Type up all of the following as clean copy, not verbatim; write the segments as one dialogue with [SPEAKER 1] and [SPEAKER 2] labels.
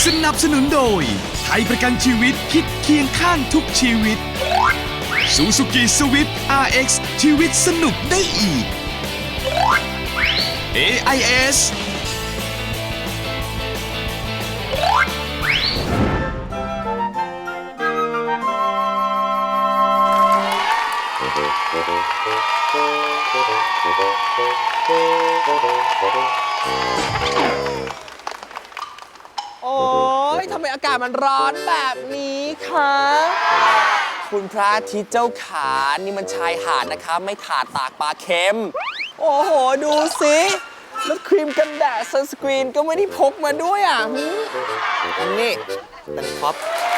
[SPEAKER 1] สนับสนุนโดยไทยประกันชีวิตคิดเคียงข้างทุกชีวิต Suzuki Swift RX ชีวิตสนุกได้อีก AIS
[SPEAKER 2] โอ้ยทำไมอากาศมันร้อนแบบนี้คะคุณพระอาทิตย์เจ้าขานี่มันชายหาดนะคะไม่ถาดตากปลาเค็ม โอ้โห ดูสิแล้วครีมกันแดดซันสกรีนก็ไม่ได้พกมาด้วยอ่ะอันนี้เป็นท็อป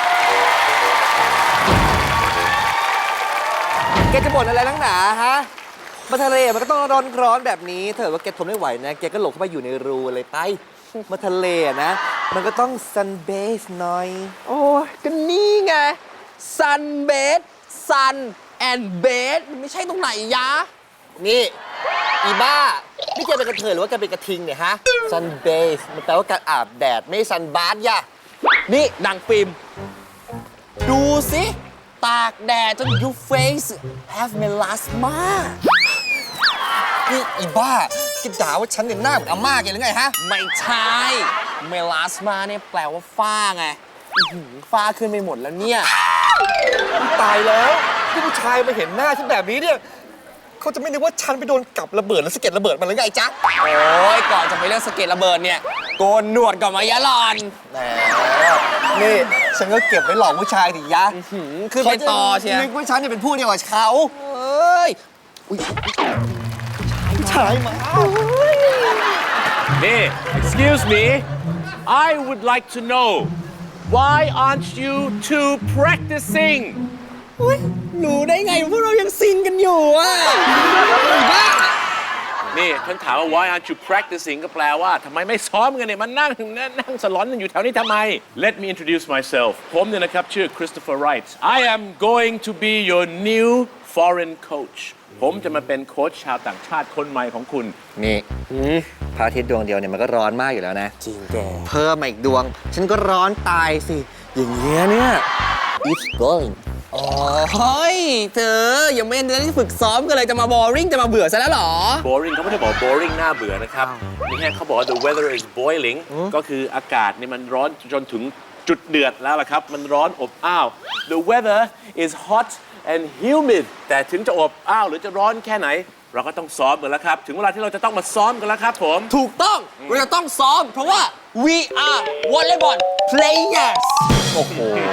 [SPEAKER 2] แกจะบ่นอะไรนักหนาฮะมาทะเลมันก็ต้องร้อนแบบนี้ถ้าเกิดว่าแกทนไม่ไหวนะแกก็หลบเข้าไปอยู่ในรูเลยไปมาทะเลนะมันก็ต้องซันเบสหน่อยโอ้ยก็นี่ไงซันเบสซันแอนเบสมันไม่ใช่ตรงไหนยะนี่อีบ้านี่แกเป็นกระเทยหรือว่าแกเป็นกระทิงเนี่ยฮะซันเบสมันแปลว่าการอาบแดดไม่ซันบาร์ยะนี่ดังฟิล์มดูสิตากแดดจน your face have melasma นี่อีบ้าคิดด่าว่าฉันเนี่ยหน้าเหมือนอาม่าแกหรือไงฮะไม่ใช่เมลาสมาเนี่ยแปลว่าฝ้าไงฝ้าขึ้นไปหมดแล้วเนี่ยตายแล้วที่ผู้ชายมาเห็นหน้าฉันแบบนี้เนี่ยเขาจะไม่นึกว่าฉันไปโดนกับระเบิดแล้วสะเก็ดระเบิดมันหรือไงจ๊ะโอ้ยก่อนจะไปเรื่องสะเก็ดระเบิดเนี่ยโกนหนวดก่อนมายะหลอนแหมนี่ฉันก็เก็บไว้หลอกผู้ชายดิยะขึ้นไปต่อเชียวนึกว่าฉันจะเป็นผู้เดียวกับเขาเอ้ยชายมา
[SPEAKER 3] Excuse me I would like to know why aren't you two practicing
[SPEAKER 2] รู้ได้ไงว่าเรายังซิงกันอยู่อ่ะบ้า
[SPEAKER 3] นี่ฉันถามว่า why aren't you practicing ก็แปลว่าทำไมไม่ซ้อมกันเนี่ยมันนั่งสลอนกันอยู่แถวนี้ทำไม Let me introduce myself ผมเนี่ยนะครับชื่อ Christopher Wright I am going to be your new foreign coach ผมจะมาเป็นโค้ชชาวต่างชาติคนใหม่ของคุณ
[SPEAKER 2] นี่พระอาทิตย์ดวงเดียวเนี่ยมันก็ร้อนมากอยู่แล้วนะจริงแกเพิ่มมาอีกดวงฉันก็ร้อนตายสิอย่างเงี้ยเนี่ย it's going อ๋อเฮ้ยเธอยังไม่ได้ฝึกซ้อมกันเลยจะมา boring จะมาเบื่อซะแล้วหรอ
[SPEAKER 3] boring เขาไม่ได้บอก boring น่าเบื่อนะครับนี่แค่เขาบอกว่า the weather is boiling ก็คืออากาศเนี่ยมันร้อนจนถึงจุดเดือดแล้วล่ะครับมันร้อนอบอ้าว the weather is hot and humid แต่ถึงจะอบอ้าวหรือจะร้อนแค่ไหนเราก็ต้องซ้อมกันแล้วครับถึงเวลาที่เราจะต้องมาซ้อมกันแล้วครับผม
[SPEAKER 2] ถูกต้องเราจะต้องซ้อมเพราะว่า we are volleyball players โอ้โห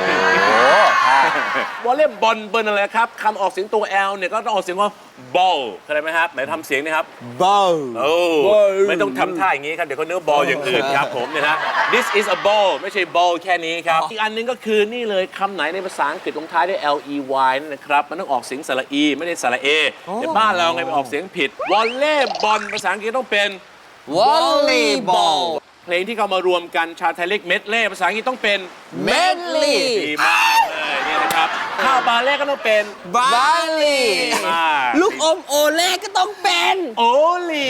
[SPEAKER 3] วอลเลย์บอลเบิร์นอะไรครับคำออกเสียงตัว L เนี่ยก็ต้องออกเสียงว่า ball เข้าใจไหมครับไหนทำเสียงนะครับ
[SPEAKER 2] ball
[SPEAKER 3] โอ้ไม่ต้องทำท่าอย่างนี้ครับเดี๋ยวเขาเนื้อบอลอย่างอื่นครับผมเนี่ยนะ this is a ball ไม่ใช่ ball แค่นี้ครับอีกอันนึงก็คือนี่เลยคำไหนในภาษาอังกฤษลงท้ายด้วย ley นะครับมันต้องออกเสียงสระ e ไม่ได้สระ a แต่บ้านเราไงไปออกเสียงผิดวอลเลย์บอลภาษาอังกฤษต้องเป็น
[SPEAKER 2] volleyball
[SPEAKER 3] เพลงที่เขามารวมกันชาไทยเล็กเมดเล่ภาษาอังกฤษต้องเป็น
[SPEAKER 2] medley
[SPEAKER 3] ดีมากเลยเนี่ยนะครับข้าวบาเล่ก็ต้องเป็น
[SPEAKER 2] barley ลูกอมโอเล่ก็ต้องเป็น
[SPEAKER 3] โอลี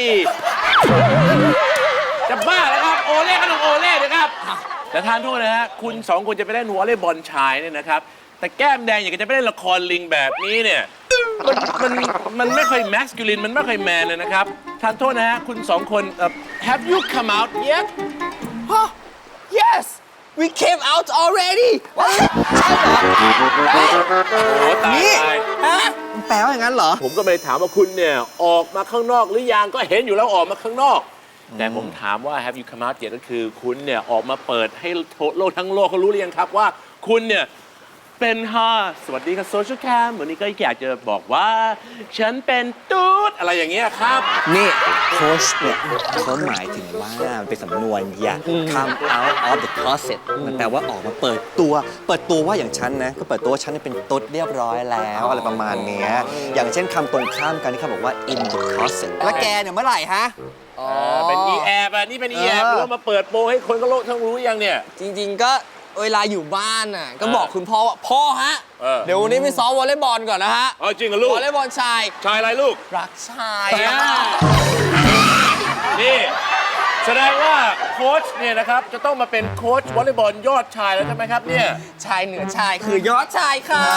[SPEAKER 3] จะบ้าแล้วครับโอเล่ก็ต้องโอเล่นะครับแต่ทานโทษนะฮะคุณสองคนจะไปเล่นวอลเลย์บอลชายเนี่ยนะครับแต่แก้มแดงอยากจะไปเล่นละครลิงแบบนี้เนี่ยมันไม่ค่อยแมสคูลินมันไม่ค่อยแมนเลยนะครับทานโทษนะฮะคุณสองคนhave you come out yet
[SPEAKER 2] yes we came out already ใช่เหรอ
[SPEAKER 3] โอ้ตาย
[SPEAKER 2] ฮะมันแปลว่าอย่างนั้นเหรอ
[SPEAKER 3] ผมก็ไม่ได้ถามว่าคุณเนี่ยออกมาข้างนอกหรือยังก็เห็นอยู่แล้วออกมาข้างนอกแต่ผมถามว่า have you come out yet ก็คือคุณเนี่ยออกมาเปิดให้โลกทั้งโลกเขารู้หรือยังครับว่าคุณเนี่ยเป็นสวัสดีครับโซเชียลแคมวันนี้ก็อยากจะบอกว่าฉันเป็นตูดอะไรอย่างเงี้ยครับ
[SPEAKER 2] นี่โค้ชเนี่ยเขาหมายถึงว่ามันเป็นสำนวนอย่า come out of the closet มันแปลว่าออกมาเปิดตัวว่าอย่างฉันนะก็เปิดตัวว่าฉันเป็นตุ๊ดเรียบร้อยแล้วอะไรประมาณเนี้ยอย่างเช่นคำตรงข้ามกันที่เขาบอกว่า in the closet แล้วแกเนี่ยเมื่อไหร่ฮะ
[SPEAKER 3] เป็น e-app อ่ะนี่เป็น e-app หรือว่ามาเปิดโปรให้คนก็โลกทั้งรู้ยังเนี่ย
[SPEAKER 2] จริงๆก็เวลาอยู่บ้านน่ะก็บอกคุณพ่อว่าพ่อฮะเดี๋ยววันนี้ไปซ้อมวอลเลย์บอลก่อนนะฮะ
[SPEAKER 3] จริงเหรอลูก
[SPEAKER 2] วอลเลย์บอลชาย
[SPEAKER 3] อะไรลูก
[SPEAKER 2] รักชาย
[SPEAKER 3] นี่แสดงว่าโค้ชเนี่ยนะครับจะต้องมาเป็นโค้ชวอลเลย์บอลยอดชายแล้วใช่ไหมครับเนี่ย
[SPEAKER 4] ชายเหนือชายคือยอดชายค่ะ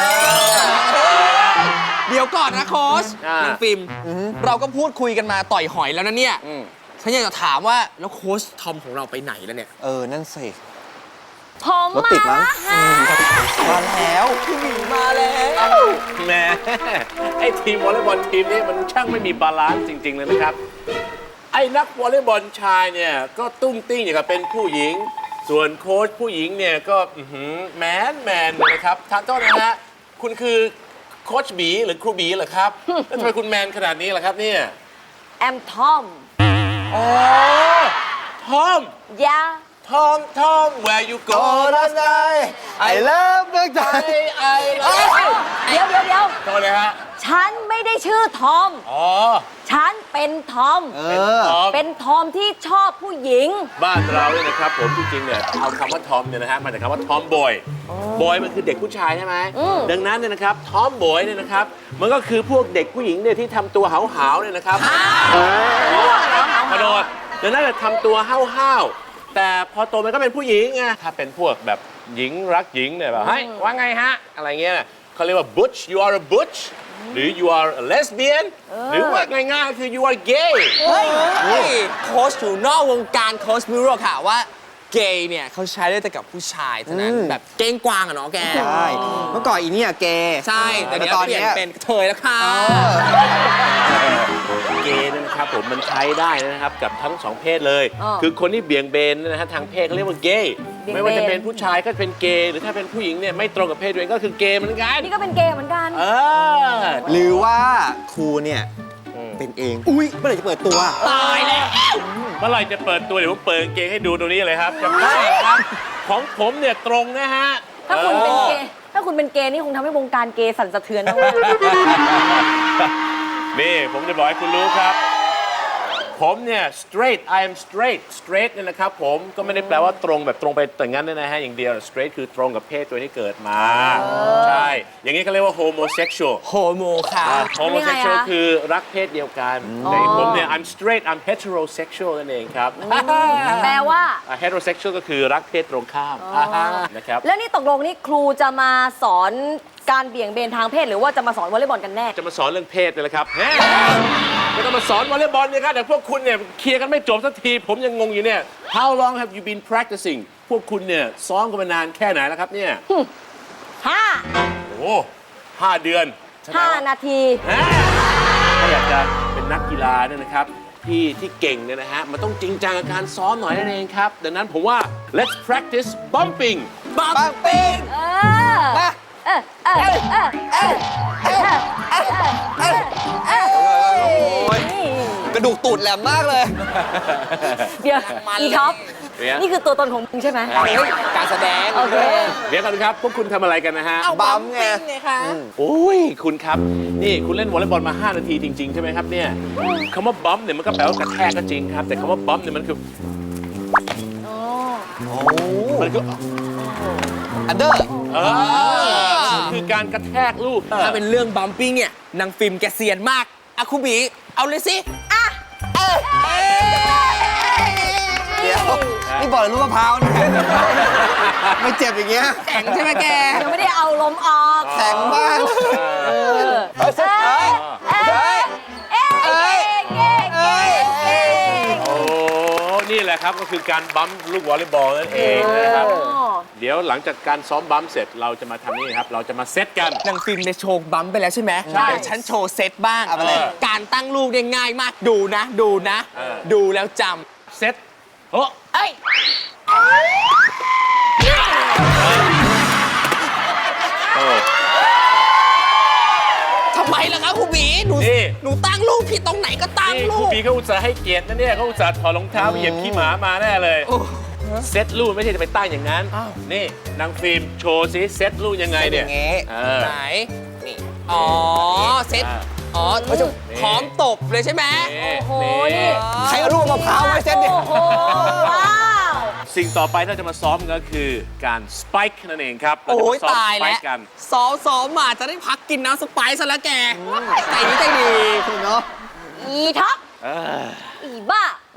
[SPEAKER 4] เดี๋ยวก่อนนะโค้ช
[SPEAKER 3] อ่าน
[SPEAKER 4] นางฟิล์มเราก็พูดคุยกันมาต่อยหอยแล้วนะเนี่ยฉันอยากจะถามว่าแล้วโค้ชทอมของเราไปไหนแล้วเนี่ย
[SPEAKER 2] นั่นสิ
[SPEAKER 5] ผม
[SPEAKER 2] รถติดมั้ง
[SPEAKER 4] มาแล้วพี่หมีมาแล้ว
[SPEAKER 3] แหมไอ้ทีมวอลเลย์บอลทีมนี้มันช่างไม่มีบาลานซ์จริง ๆ เลยนะครับ ไอ้นักวอลเลย์บอลชายเนี่ยก็ตุ้งติ้งอย่างกับเป็นผู้หญิง ส่วนโค้ชผู้หญิงเนี่ยก็แมนเลยนะครับท่านโทษนะฮะคุณคือโค้ชบีหรือครูบีเหรอครับ แล้วทำไมคุณแมนขนาดนี้ล่ะครับเนี่ย
[SPEAKER 5] แอมทอม
[SPEAKER 3] อ๋อทอม
[SPEAKER 5] ยา
[SPEAKER 3] ทอม where you go last night
[SPEAKER 2] I love เมืองไทย
[SPEAKER 3] I love
[SPEAKER 5] เดี๋ยว
[SPEAKER 3] โทษเลยฮะ
[SPEAKER 5] ฉันไม่ได้ชื่อทอม
[SPEAKER 3] อ๋อ
[SPEAKER 5] ฉันเป็นทอม
[SPEAKER 3] เป็นทอม
[SPEAKER 5] เป็นทอมที่ชอบผู้หญิง
[SPEAKER 3] บ้านเราเนี่ยนะครับผมจริงๆเนี่ยเอาคำว่าทอมเนี่ยนะฮะมาจากคำว่าทอมบอยบอยมันคือเด็กผู้ชายใช่ไหมดังนั้นเนี่ยนะครับทอมบอยเนี่ยนะครับมันก็คือพวกเด็กผู้หญิงเนี่ยที่ทำตัวหาวๆเนี่ยนะครับกระโดดดังนั้นจะทำตัวห้าวๆแต่พอโตมันก็เป็นผู้หญิงไงถ้าเป็นพวกแบบหญิงรักหญิงเนี่ยแบบเฮ้ยว่าไงฮะอะไรเงี้ยเขาเรียกว่า butch you are a butch หรือ you are a lesbian หรือว่าง่ายๆคือ you are gay
[SPEAKER 4] เฮ้ยโค้ชอยู่นอกวงการโค้ชไม่รู้หรอกค่ะว่าเกย์เนี่ยเขาใช้ได้แต่กับผู้ชายเท่านั้นแบบเก้งกวางอะเนาะแก
[SPEAKER 2] ใช่ เมื่อก่อนอีเนี่ยเกย์
[SPEAKER 4] ใช่แต่เดี๋ยว
[SPEAKER 2] ตอน
[SPEAKER 4] เปลี่ยน
[SPEAKER 2] เนี้ย
[SPEAKER 4] เป็นกระเทยแล้วค่ะ
[SPEAKER 3] เกย์เนยนะครับผมมันใช้ได้นะครับกับทั้งสองเพศเลย
[SPEAKER 5] อ๋อ
[SPEAKER 3] คือคนที่เบี่ยงเบนนะฮะทางเพศเขาเรียกว่าเกย์
[SPEAKER 5] เบี่ยงเบน
[SPEAKER 3] ไม่ว่าจะเป็นผู้ชายก็เป็นเกย์หรือถ้าเป็นผู้หญิงเนี่ยไม่ตรงกับเพศตัวเองก็คือเกย์เหมือนกัน
[SPEAKER 5] นี่ก็เป็นเกย์เหมือนกัน
[SPEAKER 3] เออ
[SPEAKER 2] หรือว่าครูเนี่ยเป็นเอง อุ้ยเมื่อไหร่จะเปิดตัว
[SPEAKER 4] ตายแล้ว
[SPEAKER 3] เมื่อไหร่จะเปิดตัวเดี๋ยวผมเปิดกางเกงให้ดูตรงนี้เลยครับจะได้ครับของผมเนี่ยตรงนะฮะ
[SPEAKER 5] ถ้าคุณเป็นเกย์ ถ้าคุณเป็นเกย์นี่คงทำให้วงการเกย์สั่นสะเทือนมาก
[SPEAKER 3] นี่ผมจะบอกให้คุณรู้ครับ ผมเนี่ย straight I am straight เนี่ยนะครับผมก็ไม่ได้แปลว่าตรงแบบตรงไปแต่งั้นนะฮะอย่างเดียว straight คือตรงกับเพศตัวที่เกิดมา ใช่ อย่างนี้เขาเรียกว่า homosexual
[SPEAKER 4] โฮโมค่ะ
[SPEAKER 3] homosexual คือรักเพศเดียวกันแต่ผมเนี่ย I'm straight I'm heterosexual นั่นเองครับ
[SPEAKER 5] แปลว่า
[SPEAKER 3] heterosexual ก็คือรักเพศตรงข้ามนะครับ
[SPEAKER 5] แล้วนี่ตกลงนี่ครูจะมาสอนการเบี่ยงเบนทางเพศหรือว่าจะมาสอนวอลเลย์บอลกันแน่
[SPEAKER 3] จะมาสอนเรื่องเพศเลยละครับไม่ต้องมาสอนวอลเลย์บอลเนี่ยครับแต่พวกคุณเนี่ยเคลียร์กันไม่จบสักทีผมยังงงอยู่เนี่ย How long have you been practicing พวกคุณเนี่ยซ้อมกันมานานแค่ไหนแล้วครับเนี่ย
[SPEAKER 5] 5
[SPEAKER 3] โอ้5 เดือน
[SPEAKER 5] 5 นาที
[SPEAKER 3] ถ้าอยากจะเป็นนักกีฬาเนี่ยนะครับที่เก่งเนี่ยนะฮะมันต้องจริงจังกับการซ้อมหน่อยนั่นเองครับดังนั้นผมว่า let's practice bumping
[SPEAKER 4] บังปิง
[SPEAKER 5] เออ
[SPEAKER 2] กระดูกตูดแหลมมากเลย
[SPEAKER 5] เดี๋ยวอีท็อป
[SPEAKER 3] เนี่ย
[SPEAKER 5] นี่คือตัวตนของมึงใช่ไหม
[SPEAKER 4] การแสดง
[SPEAKER 5] โอเค
[SPEAKER 3] เดี๋ยวกันครับพวกคุณทำอะไรกันนะฮะ
[SPEAKER 2] บัมไง
[SPEAKER 3] โอ้ยคุณครับนี่คุณเล่นวอลเลย์บอลมา 5 นาทีจริง ๆ ใช่ไหมครับเนี่ยคำว่าบัมเนี่ยมันก็แปลว่ากระแทกก็จริงครับ แต่คำว่าบัมเนี่ยมันคือมันคือ
[SPEAKER 2] อันเดอร์
[SPEAKER 3] คือการกระแทกลูก
[SPEAKER 4] ถ้าเป็นเรื่องบัมปิ้งเนี่ยนางฟิล์มแกเซียนมากอะคุบีเอาเลยสิ
[SPEAKER 2] เดี๋ยว นี่บอกเลยลูกมะพร้าวเนี่ยไม่เจ็บอย่างเงี้ย
[SPEAKER 4] แข็งใช่ไหมแก
[SPEAKER 5] ยังไม่ได้เอาลมออก
[SPEAKER 2] แข็งมาก
[SPEAKER 3] โอ้นี่แหละครับก็คือการบัมลูกวอลเลย์บอลนั่นเองนะครับเดี๋ยวหลังจากการซ้อมบัมเสร็จเราจะมาทำนี่ครับเราจะมาเซตกัน
[SPEAKER 4] นางฟิล์มได้โชว์บัมไปแล้วใช่ไหม
[SPEAKER 3] ใช่
[SPEAKER 4] เดี๋ยวฉันโชว์เซตบ้าง
[SPEAKER 2] เอาไปเลย
[SPEAKER 4] การตั้งลูกเนี่ยง่ายมากดูนะ ดูแล้วจ
[SPEAKER 3] เซตโอ้
[SPEAKER 5] เอ้ย
[SPEAKER 4] ำทำไมล่ะครับครูบีหนูตั้งลูกผิดตรงไหนก็ตั้ง
[SPEAKER 3] นี่
[SPEAKER 4] ลู
[SPEAKER 3] ครู
[SPEAKER 4] ก
[SPEAKER 3] บีเขาอุตส่าห์ให้เกียรตินะเนี่ยเขาอุตส่าห์ถอดรองเท้าเหยียบขี้หมามาแน่เลยเซตลูกไม่ใช่จะไปตั้งอย่างนั้นนี่นางฟิล์มโชว์ซิเซตลูกยังไงเนี่ย
[SPEAKER 2] อย่างงี้
[SPEAKER 4] ไหนนี่อ๋อเซตอ๋อพร้อมตบเลยใช่ไหม
[SPEAKER 5] โอ้โห นี่
[SPEAKER 2] ใครเอาลูกมะพร้าวไว้เส้นเนี่ย
[SPEAKER 5] โอ้โห ว้าว
[SPEAKER 3] สิ่งต่อไปที่เราจะมาซ้อมก็คือการสไปค์นั่นเองครับเรา
[SPEAKER 4] โอ้
[SPEAKER 3] จะมาย ซ้อม
[SPEAKER 4] ตาย
[SPEAKER 3] สไป
[SPEAKER 4] แล้ว
[SPEAKER 3] ค์กัน
[SPEAKER 4] ซ้อมมาจะได้พักกินน้ำสไปซ์ซะแล้วแกใจดี
[SPEAKER 2] เนาะ
[SPEAKER 5] อีท็อป อีบ้า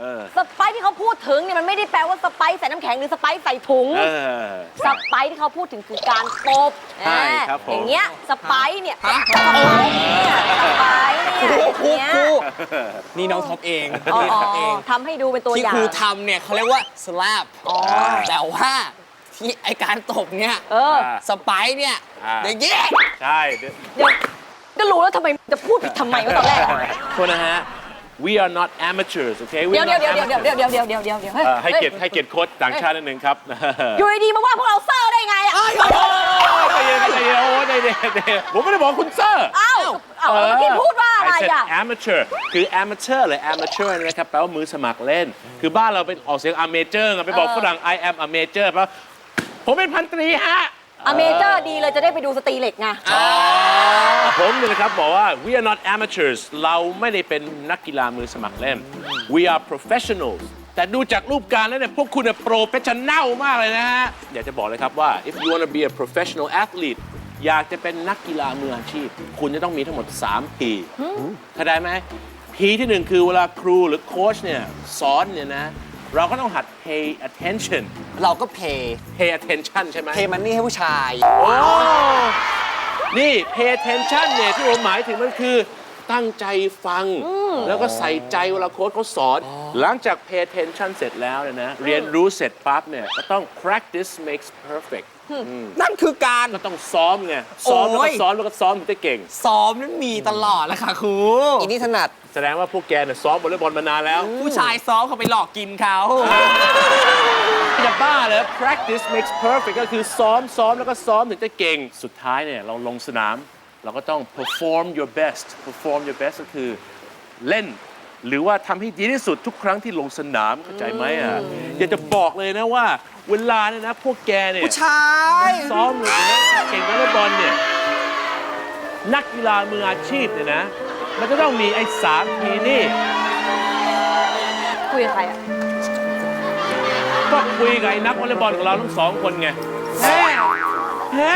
[SPEAKER 5] สไปซ์ที่เขาพูดถึงเนี่ยมันไม่ได้แปลว่าสไปซ์ใส่น้ำแข็งหรือสไปซ์ใส่ถุง สไปซ์ที่เขาพูดถึงคือการตบ
[SPEAKER 3] ใช่ครับผม
[SPEAKER 5] อย่างเงี้ยสไปซ์เนี่ย
[SPEAKER 4] ฮะ
[SPEAKER 5] สไปซ์เนี่ยสไปซ์เนี่ยอย่างเงี้ย
[SPEAKER 4] นี่น้องท็อปเอง
[SPEAKER 5] อ๋อ
[SPEAKER 4] นี่ท็อปเอง
[SPEAKER 5] ทำให้ดูเป็นตัว
[SPEAKER 4] ที่
[SPEAKER 5] อย่า
[SPEAKER 4] ค
[SPEAKER 5] ง
[SPEAKER 4] รูทำเนี่ยเขาเรียกว่า slap แต่ว่าที่ไอการตบเนี่ย
[SPEAKER 5] เออ
[SPEAKER 4] สไปซ์เนี่ย
[SPEAKER 3] อ่า
[SPEAKER 4] อย่างเงี้ย
[SPEAKER 3] ใช่
[SPEAKER 5] เดี๋ยวก็รู้แล้วทำไมจะพูดผิดทำไมวะตอนแรกอะ
[SPEAKER 3] โทษนะฮะ we are not amateurs okay
[SPEAKER 5] เดี๋ยว
[SPEAKER 3] ให้เกียรติโค้ชต่างชาตินิดนึงครับ
[SPEAKER 5] อยู่ดีๆมาว่าพวกเราเซอร์ได้ไงอ่ะ
[SPEAKER 3] ใจเย็นโอ้ใจเย็นผมไม่ได้บอกคุณเซอร์
[SPEAKER 5] อ้าวเมื่อกี้พูดว่าอะไร
[SPEAKER 3] I said
[SPEAKER 5] อ่ะ
[SPEAKER 3] amateur คือ amateur หรือ amateur นะครับแปลว่ามือสมัครเล่น คือบ้านเราเป็นออกเสียง amateur ไงไปบอกฝรั่ง I am a major แปลว่าผมเป็นพันตรีฮะ
[SPEAKER 5] อเมเจอร์ดีเลยจะได้ไปดูสตรีเหล็กไง
[SPEAKER 3] ผมเนี่ยนะครับบอกว่า we are not amateurs เราไม่ได้เป็นนักกีฬามือสมัครเล่น we are professionals แต่ดูจากรูปการแล้วเนี่ยพวกคุณเนี่ยโปรเฟชชั่นแนลมากเลยนะฮะ อยากจะบอกเลยครับว่า if you want to be a professional athlete อยากจะเป็นนักกีฬามืออาชีพ คุณจะต้องมีทั้งหมด 3 P เข้าใจไหม P ที่ 1 คือเวลาครูหรือโค้ชเนี่ยสอนเนี่ยนะ เราก็ต้องหัด pay attention
[SPEAKER 2] เราก็เพย์
[SPEAKER 3] pay attention ใช่ไหม
[SPEAKER 2] เพย์มันนี่ให้ผู้ชาย
[SPEAKER 3] โอ้ นี่ pay attention เนี่ยที่ผมหมายถึงมันคือตั้งใจฟัง แล้วก็ใส่ใจเวลาโค้ชเขาสอน หลังจาก pay attention เสร็จแล้วเนี่ยนะ เรียนรู้เสร็จปั๊บเนี่ย ก็ต้อง practice makes perfect
[SPEAKER 4] นั่นคือการ
[SPEAKER 3] ก็ต้องซ้อมไง ซ้อมแล้ว
[SPEAKER 4] โอ้
[SPEAKER 3] ก็
[SPEAKER 4] ย
[SPEAKER 3] ซ้อมแล้วก็ซ้อมถึงจะเก่ง
[SPEAKER 4] ซ้อมนั้นมีตลอดแล้วค่ะครู
[SPEAKER 2] อีนี่ถนัด
[SPEAKER 3] แสดงว่าพวกแกเนี่ยซ้อมวอลเลย์บอลมานานแล้ว
[SPEAKER 4] ผู้ชายซ้อมเขาไปหลอกกินเขา
[SPEAKER 3] จะบ้าเลย practice makes perfect ก็คือซ้อมแล้วก็ซ้อมถึงจะเก่ง สุดท้ายเนี่ยเราลงสนาม เราก็ต้อง perform your best ก็คือเล่น หรือว่าทำให้ดีที่สุดทุกครั้งที่ลงสนามเข้าใจไหมอ่ะ อยากจะบอกเลยนะว่าเวลาเนี่ยนะพวกแกเนี่ย
[SPEAKER 2] ผู้ชาย
[SPEAKER 3] ซ้อมหรือเก่งวอลเลย์บอลเนี่ยนักกีฬามืออาชีพเนี่ยนะ มันจะต้องมีไอ้3 P นี่
[SPEAKER 5] คุยกับใครอ่ะ
[SPEAKER 3] ก็คุยกับไอ้นักวอลเลย์บอลของเราทั้ง2 คนไงแฮ่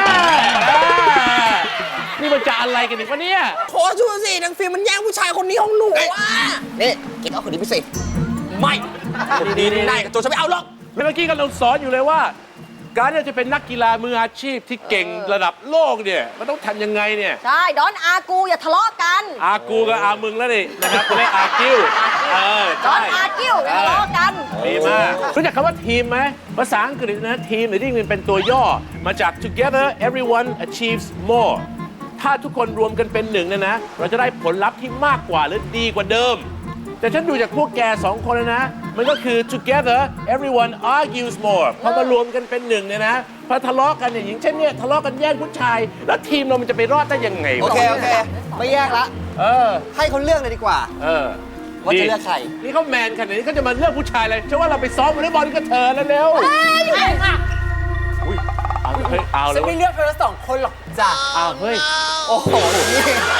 [SPEAKER 3] นี่มันจะอะไรกันอีกวะเนี่ย
[SPEAKER 4] โค้ชดูสินางฟิล์มมันแย่งผู้ชายคนนี้ของหนูอ่ะ
[SPEAKER 2] นี่กินเอาคนนี้ไปสิ
[SPEAKER 4] ไม่คนนี้ได้กับตัวฉันไม่เอาหรอก
[SPEAKER 3] แล้วเมื่อกี้กำลังสอนอยู่เลยว่า การที่จะเป็นนักกีฬามืออาชีพที่เก่งระดับโลกเนี่ยมันต้องทำยังไงเนี่ย
[SPEAKER 5] ใช่ดอนอากูอย่าทะเลาะกัน
[SPEAKER 3] อากูกับอามึงแล้วนี่นะครับเรียกอากิ้ว
[SPEAKER 5] ดอ
[SPEAKER 3] ใช่
[SPEAKER 5] นอากิ้วอย่าทะเลาะกัน
[SPEAKER 3] ดีมากรู้จักคำว่าทีมไหมภาษาอังกฤษนะทีมหรือที่มันเป็นตัวย่อมาจาก together everyone achieves more ถ้าทุกคนรวมกันเป็นหนึ่งเนี่ยนะ เราจะได้ผลลัพธ์ที่มากกว่าหรือดีกว่าเดิม แต่ฉันดูจากพวกแก2 คนแล้วนะ มันก็คือ together everyone argues more พอมารวมกันเป็นหนึ่งเนี่ยนะพอทะเลาะกันเนี่ยอย่างเช่นเนี่ยทะเลาะกันแย่งผู้ชาย แล้วทีมเรามันจะไปรอดได้ยังไง
[SPEAKER 2] โอ
[SPEAKER 3] วะ
[SPEAKER 2] เค ไม่แยกละ ให้เขาเลือกเลยดีกว่า ว่าจะเลือกใคร
[SPEAKER 3] นี่เขาแมนขนาดนี้เขาจะมาเลือกผู้ชายเลยฉันว่าเราไปซ้อมวอลเลย์บอลกับเธอแล้วเร็วอุ้ยเอาเฮ้ยเอาเล
[SPEAKER 4] ฉั
[SPEAKER 3] ย
[SPEAKER 4] นไม่เลือกเธอ2 คนหรอกจ้ะ
[SPEAKER 3] เอาเฮ้ย
[SPEAKER 2] โอ้โห นี่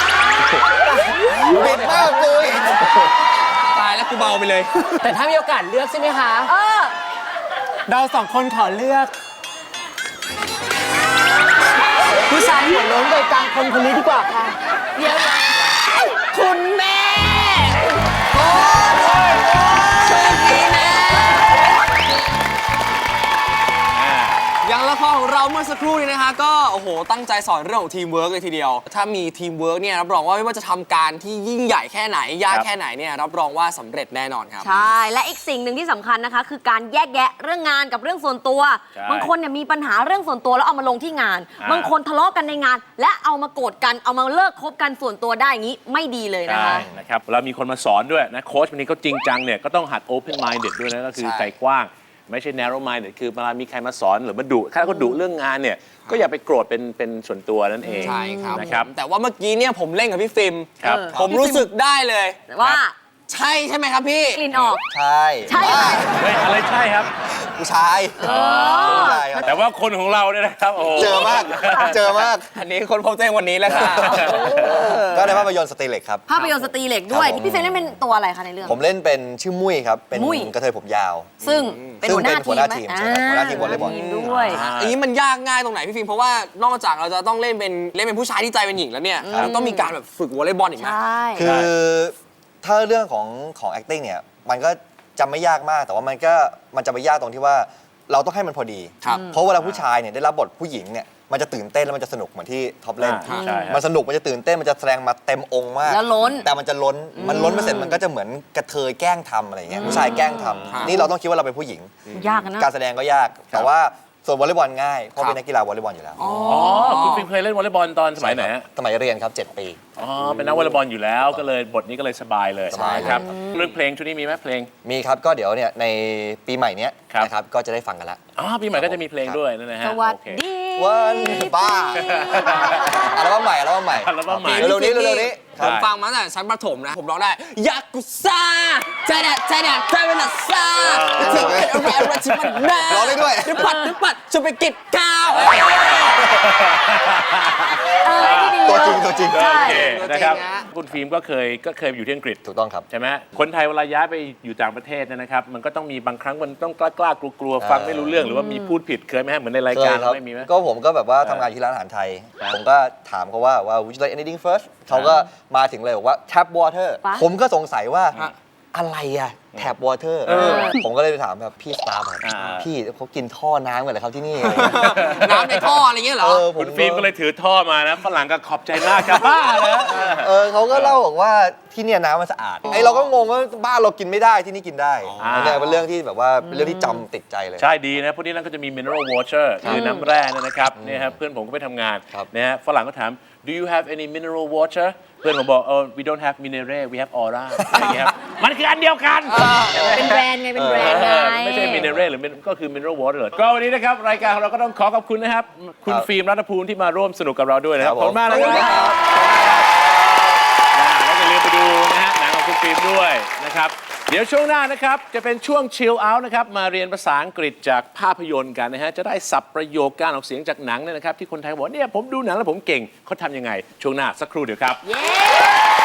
[SPEAKER 2] เด็ดมากเลย
[SPEAKER 4] ตายแล้วกูเบาไปเลย แต่ถ้ามีโอกาสเลือกใช่ไหมคะ เรา2 คนขอเลือก ผู้ชายหัวโล้นโดยกลางคนนี้ดีกว่าค่ะเดี๋ยวคุณแม่โอ้ยโชคดีแม่อย่างละครของเราเมื่อสักครู่นี้นะคะก็โอ้โหตั้งใจสอนเรื่องของทีมเวิร์กเลยทีเดียว ถ้ามีทีมเวิร์กเนี่ยรับรองว่าไม่ว่าจะทำการที่ยิ่งใหญ่แค่ไหนยากแค่ไหนเนี่ยรับรองว่าสำเร็จแน่นอนครับ
[SPEAKER 5] ใช่ และอีกสิ่งหนึ่งที่สำคัญนะคะ คือการแยกแยะเรื่องงานกับเรื่องส่วนตัว
[SPEAKER 3] ใช่
[SPEAKER 5] บางคนเนี่ยมีปัญหาเรื่องส่วนตัวแล้วเอามาลงที่งาน บางคนทะเลาะกันในงาน และเอามาโกรธกันเอามาเลิกคบกันส่วนตัวได้อย่างนี้ไม่ดีเลยนะคะ
[SPEAKER 3] ใช่นะครับเรามีคนมาสอนด้วยนะโค้ชวันนี้เขาจริงจังเนี่ยก็ต้องหัด open minded ด้วยนะก็คือ
[SPEAKER 4] ใช่
[SPEAKER 3] ใจกว้าง ไม่ใช่ narrow minded คือเวลามีใครมาสอนหรือมาดุถ้าเขาดุเรื่องงานเนี่ยก็อย่าไปโกรธเป็นส่วนตัวนั่นเอง
[SPEAKER 4] ใช่ครับ
[SPEAKER 3] นะครับ
[SPEAKER 4] แต่ว่าเมื่อกี้เนี่ยผมเล่นกับพี่ฟิล์ม
[SPEAKER 3] ครับ
[SPEAKER 4] ผมรู้สึกได้เลย
[SPEAKER 5] ว่า
[SPEAKER 4] ใช่ใช่ไหมครับพี่
[SPEAKER 5] กลิ่นออก
[SPEAKER 2] ใช่
[SPEAKER 5] ใช่ไหม
[SPEAKER 3] เฮ้ยอะไรใช่ครับ
[SPEAKER 2] ผู้ชายผู้ชายครับ
[SPEAKER 3] แต่ว่าคนของเราเนี่ยนะครับโอ้โห
[SPEAKER 2] เจอมาก เจอมาก
[SPEAKER 4] อันนี้คนพบเจอวันนี้แล้วค่ะ
[SPEAKER 2] ก็ในภาพยนตร์สตรีเหล็กครับ
[SPEAKER 5] ภาพยนตร์สตรีเหล็กด้วย
[SPEAKER 2] ครับผม
[SPEAKER 5] พี่เฟรนเล่นเป็นตัวอะไรคะในเรื่อง
[SPEAKER 2] ผมเล่นเป็นชื่อมุ้ยครับ เป็น
[SPEAKER 5] มุ้ย
[SPEAKER 2] กระเทยผมยาว
[SPEAKER 5] ซึ่งเป็นหัวหน้า
[SPEAKER 2] ซึ่งเป็นหัวหน้าที
[SPEAKER 5] ที
[SPEAKER 2] ม
[SPEAKER 5] ม
[SPEAKER 2] ใช่ครับหัวหน้าทีมวอลเลย์บอล
[SPEAKER 5] ทีมด้วย
[SPEAKER 4] อันนี้มันยากง่ายตรงไหนพี่ฟิล์มเพราะว่านอกจากเราจะต้องเล่นเป็นผู้ชายที่ใจเป็นหญิงแล้วเนี่ยเราต้องมีการแบบฝึกวอลเลย์บอลอีกไหม
[SPEAKER 5] ใช่
[SPEAKER 2] คือถ้าเรื่องของ acting เนี่ย มันก็
[SPEAKER 6] จำไม่ยากมากแต่ว่ามันจะไปยากตรงที่ว่าเราต้องให้มันพอดี
[SPEAKER 4] ครับ
[SPEAKER 6] เพราะเวลาผู้ชายเนี่ยได้รับบทผู้หญิงเนี่ยมันจะตื่นเต้นแล้วมันจะสนุกเหมือนที่ท็อปเล่น
[SPEAKER 3] ใช่ครับ
[SPEAKER 6] มันสนุกมันจะตื่นเต้นมันจะแสดงมาเต็มองค์มาก
[SPEAKER 5] แล้วล้น
[SPEAKER 6] แต่มันจะล้นไปเสร็จมันก็จะเหมือนกระเทยแกล้งทำอะไรอย่างเงี้ยผู้ชายแกล้งทำนี่เราต้องคิดว่าเราเป็นผู้หญิง
[SPEAKER 5] ยากนะ
[SPEAKER 6] การแสดงก็ยาก แต่ว่าส่วนวอลเลย์บอลง่ายเพราะเป็นนักกีฬาวอลเลย์บอลอยู่แล้ว
[SPEAKER 3] อ๋อคุณฟิล์มเคยเล่นวอลเลย์บอลตอนสมัยไหนฮะ
[SPEAKER 6] สมัยเรียนครับ 7 ปี
[SPEAKER 3] อ๋อเป็นนักวอลเลย์บอลอยู่แล้วก็เลยบทนี้ก็เลยสบายเลย
[SPEAKER 6] สบาย
[SPEAKER 3] ครับ
[SPEAKER 6] ครับ
[SPEAKER 3] เรื่องเพลงช่วงนี้มีไหมเพลง
[SPEAKER 6] มีครับก็เดี๋ยวเนี่ยในปีใหม่เนี้ย
[SPEAKER 3] ครับ
[SPEAKER 6] นะครับก็จะได้ฟังกันละ
[SPEAKER 3] อ๋อปีใหม่ก็จะมีเพลงด้วยนั่นนะฮะ
[SPEAKER 5] สวัส
[SPEAKER 3] โอเค
[SPEAKER 5] ดี
[SPEAKER 6] วันบ้าอัลบั้มใหม่อัลบั้มใหม่
[SPEAKER 3] อัลบั้มใหม่
[SPEAKER 6] เร็วๆนี้เร็วๆนี้
[SPEAKER 4] ผมฟังมาตั้งแต่ชั้นประถมนะ ผมร้องได้ยากุซ่าใจแดดใจเป็นอัสซาถึงเป็นอะไรที่มันน่า
[SPEAKER 6] ร้องได้ด้วย
[SPEAKER 4] นึกปัดจะไปกิดก้าว
[SPEAKER 5] นี่ดี
[SPEAKER 6] ตัวจริงตัวจริง
[SPEAKER 3] โอเคนะครับ
[SPEAKER 4] จริงนะ
[SPEAKER 3] คุณฟิล์มก็เคยอยู่ที่อังกฤษ
[SPEAKER 6] ถูกต้องครับ
[SPEAKER 3] ใช่ไหมคนไทยเวลาย้ายไปอยู่ต่างประเทศเนยนะครับ มันก็ต้องมีบางครั้งมันต้องกล้ากลัวๆฟังไม่รู้เรื่องหรือว่ามีพูดผิดเคยไหมฮะเหมือนในรายการ
[SPEAKER 6] เคยครับ
[SPEAKER 3] ไม่มีไหม
[SPEAKER 6] ก็ผมก็แบบว่าทำงานที่ร้านอาหารไทย
[SPEAKER 3] ครับ
[SPEAKER 6] ผมก็ถามเขาว่า would you like anything first เขาก็มาถึงเลยบอกว่า tap water
[SPEAKER 5] ปะ
[SPEAKER 6] ผมก็สงสัยว่าอะไรอะ tap water ผมก็เลยไปถามแบบพี่สตาฟครับ
[SPEAKER 3] อ่า
[SPEAKER 6] พี่เขากินท่อน้ำกันเหรอครับที่นี่
[SPEAKER 4] น้ำในท่ออะไรเงี้ยเหรอ
[SPEAKER 6] ผม
[SPEAKER 3] คุณฟิล์มก็เลยถือท่อมานะฝรั่งก็ขอบใจมากครับบ้าแล้ว
[SPEAKER 6] เขาก็เล่าบอกว่าที่เนี่ยน้ำมันสะอาดไอเราก็งงว่าบ้านเรากินไม่ได้ที่นี่กินได้อันเนี้ยเป็นเรื่องที่แบบว่าเป็นเรื่องที่จำติดใจเลย
[SPEAKER 3] ใช่ดีนะพวกนี้นั่นก็จะมี mineral water คือน้ำแร่นะครับเนี่ยครับเพื่อนผมก็ไปทำงาน
[SPEAKER 6] ครับ
[SPEAKER 3] นะฮะฝรั่งก็ถาม do you have any mineral water เพื่อนผมบอกwe don't have mineral we have aura อะไรอย่างเงี้ยครับมันคืออันเดียวกัน
[SPEAKER 5] เป็นแบรนด์ไง เป็นแบรนด์ไง
[SPEAKER 3] ไม่ใช่ mineral หรือก็คือ mineral water ก็วันนี้นะครับรายการของเราก็ต้องขอบคุณนะครับ คุณฟิล์มรัตภูมิที่มาร่วมสนุกกับเราด้วยนะครับ
[SPEAKER 6] ครับ
[SPEAKER 3] ข
[SPEAKER 6] ผ
[SPEAKER 3] อบ
[SPEAKER 6] ม
[SPEAKER 3] คุณมากนะครับแล้วอย่าลืมไปดูนะฮะหนังของคุณฟิล์มด้วยนะครับเดี๋ยวช่วงหน้านะครับจะเป็นช่วง chill out นะครับมาเรียนภาษาอังกฤษจากภาพยนตร์กันนะฮะจะได้สับประโยคการออกเสียงจากหนังเนี่ยนะครับที่คนไทยบอกเนี่ยผมดูหนังแล้วผมเก่งเขาทำยังไงช่วงหน้าสักครู่เดียวครับ
[SPEAKER 5] เย้